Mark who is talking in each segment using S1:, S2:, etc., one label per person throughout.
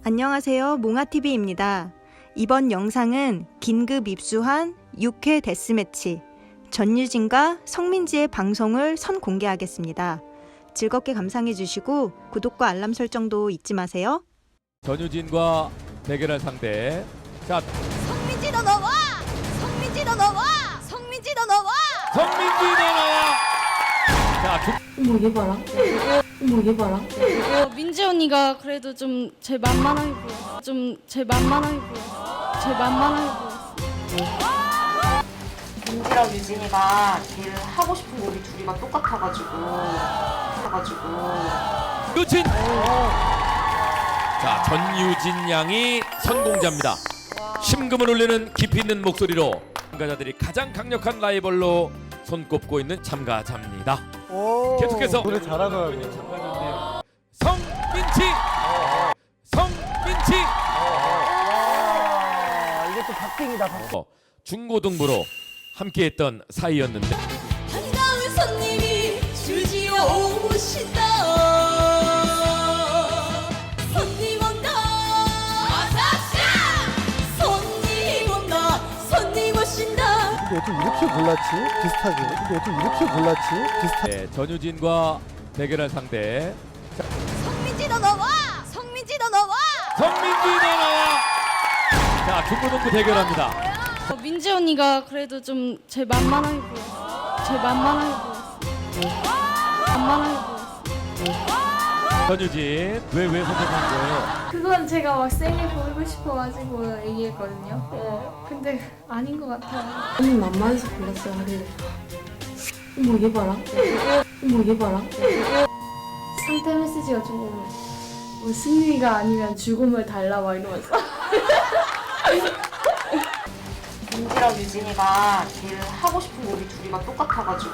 S1: 안녕하세요. 몽아TV입니다. 이번 영상은 긴급 입수한 6회 데스매치 전유진과 성민지의 방송을 선공개하겠습니다. 즐겁게 감상해주시고 구독과 알람 설정도 잊지 마세요.
S2: 전유진과 대결할 상대. 자,
S3: 성민지 너 나와! 성민지 너 나와! 성민지 너 나와!
S2: 성민지 너 나와! 자,
S4: 어머 얘 봐라. 어머 얘 봐라.
S5: 민지 언니가 그래도 좀 제 만만하게 보였어. 제 만만하게 보였어.
S4: 민지랑 유진이가 제일 하고 싶은 곡이 둘이가 똑같아가지고.
S2: 유진! 자, 전유진 양이 선공자입니다. 심금을 울리는 깊이 있는 목소리로 참가자들이 가장 강력한 라이벌로 손꼽고 있는 참가자입니다. 계속해서
S6: 노래 잘하더라고요.
S2: 참가자인데요. 성민지!
S6: 이게 또 박빙이다.
S2: 중고등부로 함께했던 사이였는데
S3: 반가운 손님이 줄지어 오신다. 손님 온다. 손님 온다. 손님 오신다.
S6: 근데 어떻게 이렇게 골랐지? 비슷하게.
S2: 네, 전유진과 대결할 상대.
S3: 성민지 너 나와! 성민지 너 나와!
S2: 성민지 너 나와! 자, 중고등부 대결합니다.
S5: 민지 언니가 그래도 좀 제 만만하게 보였어.
S2: 전유진 왜 선택한 거예요?
S7: 그건 제가 막 세게 보이고 싶어가지고 얘기했거든요. 근데 아닌 것 같아요.
S4: 언니 만만해서 골랐어요 하길래. 어머 얘 봐라. 어머 얘 봐라.
S7: 상태 메시지가 조금 뭐 승리가 아니면 죽음을 달라 막 이러면서.
S4: 민지랑 유진이가 제일 하고 싶은 곡이 둘이가 똑같아가지고.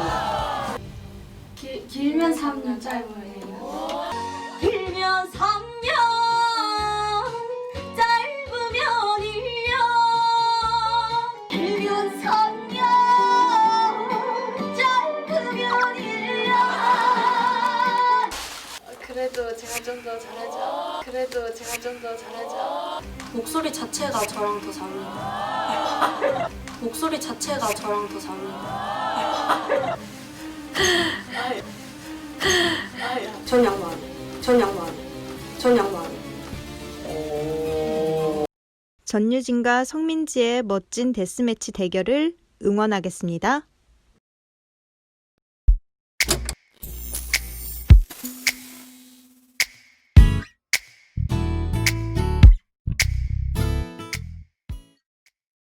S7: 길면 3년, 짧으면 1년.
S3: 길면 3년, 짧으면 1년. 길면 3년, 짧으면 1년.
S7: 그래도 제가 좀 더 잘하죠.
S4: 목소리 자체가 저랑 더 잘 어울린다. 전 양보 안 해.
S1: 전유진과 성민지의 멋진 데스매치 대결을 응원하겠습니다.